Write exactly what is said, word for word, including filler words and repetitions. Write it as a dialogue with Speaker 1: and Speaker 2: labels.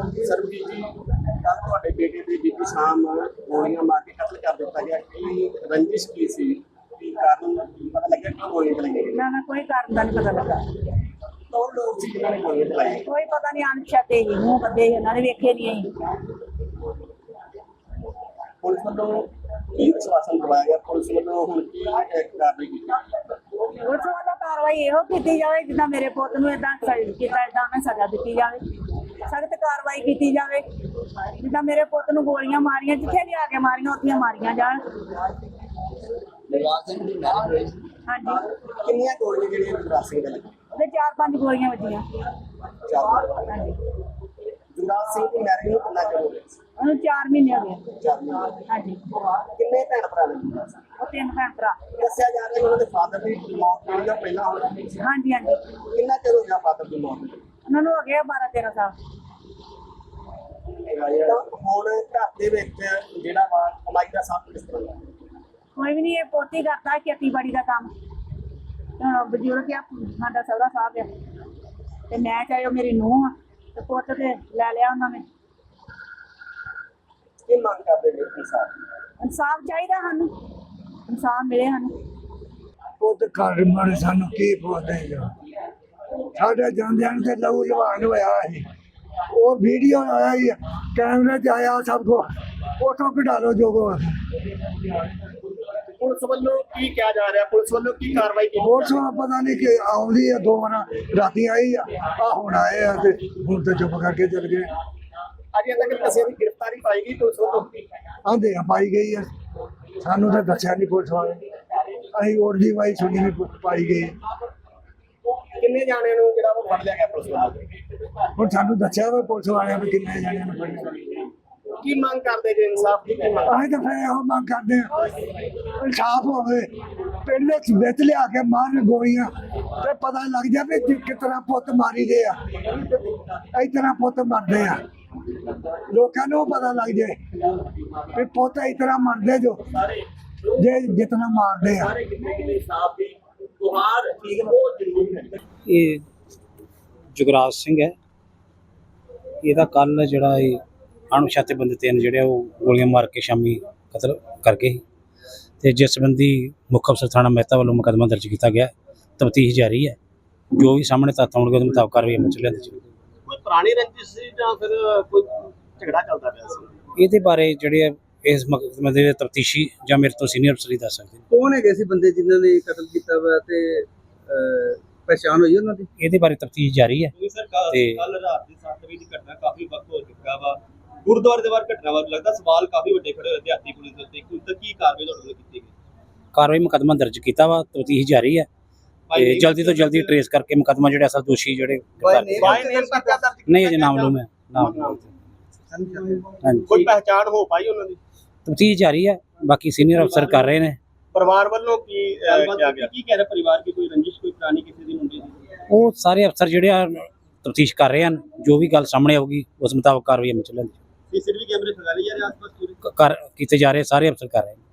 Speaker 1: ਸਰਬਜੀਤ ਜੀ, ਕੱਲ ਤੁਹਾਡੇ ਬੇਟੇ ਦੀ ਬੀਤੀ ਸ਼ਾਮ ਗੋਲੀਆਂ ਮਾਰ ਕੇ ਕਤਲ ਕਰ ਦਿੱਤਾ ਗਿਆ। ਕੀ ਰੰਜਿਸ਼ ਕੀ ਸੀ? ਕੀ ਕਾਰਨ ਪਤਾ ਲੱਗਿਆ ਕਿ ਗੋਲੀਆਂ ਚਲਾਈਆਂ ਗਈਆਂ?
Speaker 2: ਨਾ ਨਾ ਕੋਈ ਕਾਰਨ ਦਾ ਨਹੀਂ ਪਤਾ ਲੱਗਾ।
Speaker 1: ਕੌਣ ਲੋਕ ਸੀ ਜਿਨ੍ਹਾਂ ਨੇ ਗੋਲੀਆਂ ਚਲਾਈਆਂ?
Speaker 2: ਕੋਈ ਪਤਾ ਨਹੀਂ, ਅਣਪਛਾਤੇ ਹੀ ਮੂੰਹ ਬੱਦੇ ਸੀ, ਉਹਨਾਂ ਨੇ ਵੇਖੇ ਨਹੀਂ ਅਸੀਂ।
Speaker 1: ਪੁਲਿਸ ਵੱਲੋਂ ਕੀ ਆਸ਼ਵਾਸਨ ਦਵਾਇਆ ਗਿਆ? ਪੁਲਿਸ ਵੱਲੋਂ ਹੁਣ ਕੀ ਕਾਰਵਾਈ ਕੀਤੀ?
Speaker 2: ਪੁਲਿਸ ਵੱਲੋਂ ਕਾਰਵਾਈ ਇਹੋ ਕੀਤੀ ਜਾਵੇ ਜਿੱਦਾਂ ਮੇਰੇ ਪੁੱਤ ਨੂੰ ਏਦਾਂ ਕੀਤਾ ਏਦਾਂ ਉਹਨੇ ਸਜ਼ਾ ਦਿੱਤੀ ਜਾਵੇ, ਸਖਤ ਕਾਰਵਾਈ ਕੀਤੀ ਜਾਵੇ। ਜਿੱਦਾਂ ਮੇਰੇ ਪੁੱਤ ਨੂੰ ਗੋਲੀਆਂ ਮਾਰੀਆਂ, ਜਿੱਥੇ ਵੀ ਆ ਕੇ ਮਾਰੀਆਂ ਉੱਥੇ ਮਾਰੀਆਂ ਜਾਣ। ਹਾਂਜੀ,
Speaker 1: ਕਿੰਨੀਆਂ ਗੋਲੀਆਂ ਜਿਹੜੀਆਂ ਜੁਗਰਾਜ ਸਿੰਘ ਦੇ ਲੱਗੀਆਂ?
Speaker 2: ਉਹਦੇ ਚਾਰ ਪੰਜ ਗੋਲੀਆਂ ਵੱਜੀਆਂ।
Speaker 1: ਚਾਰ।
Speaker 2: ਹਾਂਜੀ,
Speaker 1: ਜੁਗਰਾਜ ਸਿੰਘ ਦੀ ਮੈਰਿਜ ਨੂੰ ਕਿੰਨਾ ਚਿਰ ਹੋ ਗਿਆ?
Speaker 2: ਉਹਨੂੰ ਚਾਰ ਮਹੀਨੇ ਹੋ ਗਏ।
Speaker 1: ਚਾਰ ਮਹੀਨੇ।
Speaker 2: ਹਾਂਜੀ,
Speaker 1: ਕਿੰਨੇ ਭੈਣ ਭਰਾ ਨੇ ਜੁਗਰਾਜ ਸਿੰਘ?
Speaker 2: ਉਹ ਤਿੰਨ ਭੈਣ ਭਰਾ।
Speaker 1: ਦੱਸਿਆ ਜਾ ਰਿਹਾ ਕਿ ਉਹਨਾਂ ਦੇ ਫਾਦਰ ਦੀ ਮੌਤ ਜਿਹੜੀ ਆ ਪਹਿਲਾਂ ਹੋ ਗਈ ਸੀ।
Speaker 2: ਹਾਂਜੀ ਹਾਂਜੀ,
Speaker 1: ਕਿੰਨਾ ਚਿਰ ਹੋ ਗਿਆ ਫਾਦਰ ਦੀ ਮੌਤ ਨੂੰ?
Speaker 2: ਉਹਨਾਂ ਨੂੰ ਹੋ ਗਿਆ ਬਾਰਾਂ ਤੇਰਾਂ ਸਾਲ।
Speaker 1: ਤਾਂ ਹੁਣ ਘਰ ਦੇ ਵਿੱਚ ਜਿਹੜਾ ਵਾ ਕਮਾਈ ਦਾ ਸਾਧਨ ਕਿਸ ਤਰ੍ਹਾਂ ਦਾ?
Speaker 2: ਕੋਈ ਵੀ ਨਹੀਂ, ਇਹ ਪੋਤੀ ਕਰਦਾ ਖੇਤੀਬਾੜੀ ਦਾ ਕੰਮ। ਹੁਣ ਬਜ਼ੁਰਗ ਆ ਸਾਡਾ ਸਹੁਰਾ ਸਾਹਿਬ ਆ, ਤੇ ਮੈਂ ਚਾਹੇ ਉਹ ਮੇਰੀ ਨੂੰਹ ਆ, ਤੇ ਪੁੱਤ ਤੇ ਲੈ ਲਿਆ ਉਹਨਾਂ ਨੇ।
Speaker 1: ਕੀ ਮੰਗ ਕਰਦੇ ਨੇ ਇਨਸਾਨ?
Speaker 2: ਇਨਸਾਫ ਚਾਹੀਦਾ ਸਾਨੂੰ, ਇਨਸਾਫ ਮਿਲੇ ਸਾਨੂੰ।
Speaker 3: ਪੁੱਤ ਘਰ ਮਰ ਸਾਨੂੰ ਕੀ ਪੁੱਛਦੇ ਸਾਡੇ ਜਾਂਦਿਆਂ ਤੇ ਲਹੂ ਲਵਾਨ ਹੋਇਆ ਸੀ। ਉਹ ਵੀਡੀਓ ਆਇਆ ਹੀ ਕੈਮਰੇ 'ਚ ਆਇਆ ਸਭ ਕੋ, ਉਥੋਂ ਕਢਾ ਲਓ ਜੋ ਕੋ।
Speaker 1: ਪੁਲਿਸ ਵੱਲੋਂ ਕੀ ਕਿਹਾ ਜਾ ਰਿਹਾ? ਪੁਲਿਸ ਵੱਲੋਂ ਕੀ ਕਾਰਵਾਈ ਕੀਤੀ?
Speaker 3: ਹੋਰ ਸੋ ਪਤਾ ਨਹੀਂ ਕਿ ਆਉਂਦੀ ਆ, ਦੋ ਵਾਰ ਰਾਤੀ ਆਈ ਆ, ਆ ਹੁਣ ਆਏ ਆ ਤੇ ਹੁਣ ਤੇ ਚੁੱਪ ਕਰਕੇ ਚਲ ਗਏ।
Speaker 1: ਅਜੇ ਤੱਕ ਕਿਸੇ ਦੀ ਗ੍ਰਿਫਤਾਰੀ ਪਾਈ ਗਈ ਪੁਲਿਸ ਵੱਲੋਂ?
Speaker 3: ਆਂਦੇ ਆ ਪਾਈ ਗਈ ਆ, ਸਾਨੂੰ ਤਾਂ ਦੱਸਿਆ ਨਹੀਂ ਪੁਲਿਸ ਵਾਲੇ। ਅਸੀਂ ਉੜਦੀ ਵਾਈ ਸੁਣੀ ਵੀ ਪਾਈ ਗਈ।
Speaker 1: ਕਿੰਨੇ ਜਾਣਿਆਂ ਨੂੰ ਜਿਹੜਾ ਉਹ ਫੜ ਲਿਆ ਗਿਆ ਪੁਲਿਸ ਵੱਲੋਂ?
Speaker 3: ਹੁਣ ਸਾਨੂੰ ਦੱਸਿਆ ਵਾ ਪੁਲਿਸ ਵਾਲਿਆਂ ਵੀ ਕਿੰਨੇ ਜਾਣਿਆਂ ਨੂੰ ਫੜਿਆ।
Speaker 1: ਕੀ ਮੰਗ ਕਰਦੇ ਜੇ ਇਨਸਾਫ ਦੀ? ਕੀ ਮੰਗ?
Speaker 3: ਅਸੀਂ ਤਾਂ ਫਿਰ ਇਹੋ ਮੰਗ ਕਰਦੇ ਹਾਂ ਇਨਸਾਫ ਹੋਵੇ। ਪਿੰਡ ਵਿੱਚ ਵਿੱਚ ਲਿਆ ਕੇ ਮਾਰਨ ਗੋਲੀਆਂ ਤੇ ਪਤਾ ਲੱਗ ਜਾਵੇ ਕਿ ਕਿਸ ਤਰ੍ਹਾਂ ਪੁੱਤ ਮਾਰੀ ਦੇ ਆ, ਇਸ ਤਰ੍ਹਾਂ ਪੁੱਤ ਮਰਦੇ ਆ। ਲੋਕਾਂ ਨੂੰ ਪਤਾ ਲੱਗ ਜਾਏ ਵੀ ਪੁੱਤ ਇਸ ਤਰ੍ਹਾਂ ਮਰਦੇ ਜੋ ਜੇ ਜਿਤਨਾ ਮਾਰਦੇ ਆ।
Speaker 1: ਇਨਸਾਫ ਦੀ ਗੁਹਾਰ ਠੀਕ ਬਹੁਤ ਜ਼ਰੂਰੀ ਹੈ।
Speaker 4: ਇਹ ਜੁਗਰਾਜ ਸਿੰਘ ਹੈ। ਇਹਦਾ ਕੱਲ ਜਿਹੜਾ ਇਹ ਅਣਪਛਾਤੇ ਬੰਦੇ ਤਿੰਨ ਜਿਹੜੇ ਉਹ ਗੋਲੀਆਂ ਮਾਰ ਕੇ ਸ਼ਾਮੀ ਕਤਲ ਕਰ ਗਏ ਤੇ ਜਿਸ ਸੰਬੰਧੀ ਮੁੱਖ ਅਫਸਰ ਥਾਣਾ ਮਹਿਤਾ ਵੱਲੋਂ ਮੁਕੱਦਮਾ ਦਰਜ ਕੀਤਾ ਗਿਆ। ਤਫਤੀਸ਼ ਜਾਰੀ ਹੈ, ਜੋ ਵੀ ਸਾਹਮਣੇ ਤੱਥ ਆਉਣਗੇ ਉਹਦੇ ਮੁਤਾਬਕ ਕਾਰਵਾਈ ਅਮਲ 'ਚ ਲਿਆਂਦੀ ਜਾਵੇਗੀ।
Speaker 1: ਕੋਈ ਪੁਰਾਣੀ ਰੰਜਿਸ਼ ਸੀ ਜਾਂ ਫਿਰ ਕੋਈ ਝਗੜਾ ਚੱਲਦਾ ਪਿਆ ਸੀ?
Speaker 4: ਇਹਦੇ ਬਾਰੇ ਜਿਹੜੇ ਇਸ ਮੁਕੱਦਮੇ ਦੇ ਤਫਤੀਸ਼ੀ ਜਾਂ ਮੇਰੇ ਤੋਂ ਸੀਨੀਅਰ ਅਫਸਰ ਹੀ ਦੱਸ ਸਕਦੇ ਨੇ।
Speaker 5: ਕੌਣ ਹੈਗੇ ਸੀ ਬੰਦੇ ਜਿਨ੍ਹਾਂ ਨੇ ਕਤਲ ਕੀਤਾ ਵਾ ਤੇ ਪਛਾਣ ਹੋਈ ਉਹਨਾਂ ਦੀ?
Speaker 4: ਇਹਦੇ ਬਾਰੇ ਤਫਤੀਸ਼ ਜਾਰੀ ਹੈ।
Speaker 1: ਸਰ ਕੱਲ ਰਾਤ ਦੀ ਸੱਤ ਵਜੇ ਦੀ ਘਟਨਾ ਕਾਫੀ ਵਕਤ ਹੋ ਚੁੱਕਾ ਵਾ, ਗੁਰਦੁਆਰੇ ਦੇ ਬਾਹਰ ਘਟਨਾ ਵਾ, ਲੱਗਦਾ ਸਵਾਲ ਕਾਫੀ ਵੱਡੇ ਖੜੇ ਹੋਏ ਦਿਹਾਤੀ ਪੁਲਿਸ ਦੇ ਉੱਤੇ। ਹੁਣ ਤੱਕ ਕੀ ਕਾਰਵਾਈ ਤੁਹਾਡੇ ਵੱਲੋਂ ਕੀਤੀ ਗਈ?
Speaker 4: ਕਾਰਵਾਈ ਮੁਕੱਦਮਾ ਦਰਜ ਕੀਤਾ ਵਾ, ਤਫਤੀਸ਼ ਜਾਰੀ ਹੈ ਤੇ ਜਲਦੀ ਤੋਂ ਜਲਦੀ ਟਰੇਸ ਕਰਕੇ ਮੁਕੱਦਮਾ ਜਿਹੜੇ ਅਸਲ ਦੋਸ਼ੀ ਜਿਹੜੇ ਨਹੀਂ ਅਜੇ ਨਾਮਲੂਮ ਹੈ। ਨਾਮ ਹਾਂਜੀ,
Speaker 1: ਕੋਈ ਪਹਿਚਾਣ ਹੋ ਪਾਈ ਉਹਨਾਂ ਦੀ?
Speaker 4: ਤਫਤੀਸ਼ ਜਾਰੀ ਹੈ, ਬਾਕੀ ਸੀਨੀਅਰ ਅਫਸਰ ਕਰ ਰਹੇ ਨੇ।
Speaker 1: ਪਰਿਵਾਰ ਵੱਲੋਂ ਕੀ ਕਿਹਾ ਗਿਆ? ਕੀ ਕਹਿ ਰਿਹਾ ਪਰਿਵਾਰ? ਕੀ ਕੋਈ ਰੰਜਿਸ਼ ਕੋਈ ਪੁਰਾਣੀ ਕਿਸੇ ਦੀ ਮੁੰਡੇ ਦੀ?
Speaker 4: ਉਹ ਸਾਰੇ ਅਫਸਰ ਜਿਹੜੇ ਆ ਤਫਤੀਸ਼ ਕਰ ਰਹੇ ਹਨ, ਜੋ ਵੀ ਗੱਲ ਸਾਹਮਣੇ ਆਊਗੀ ਉਸ ਮੁਤਾਬਕ ਕਾਰਵਾਈ ਅਮਲ 'ਚ ਲਿਆਂਦੀ
Speaker 1: ਸੀਸੀਟੀਵੀ ਕੈਮਰੇ ਲਗਾ ਲਈ ਜਾ ਰਹੇ ਆਸ-ਪਾਸ ਪੂਰੇ?
Speaker 4: ਕਰ ਕੀਤੇ ਜਾ ਰਹੇ, ਸਾਰੇ ਅਫਸਰ ਕਰ ਰਹੇ ਨੇ।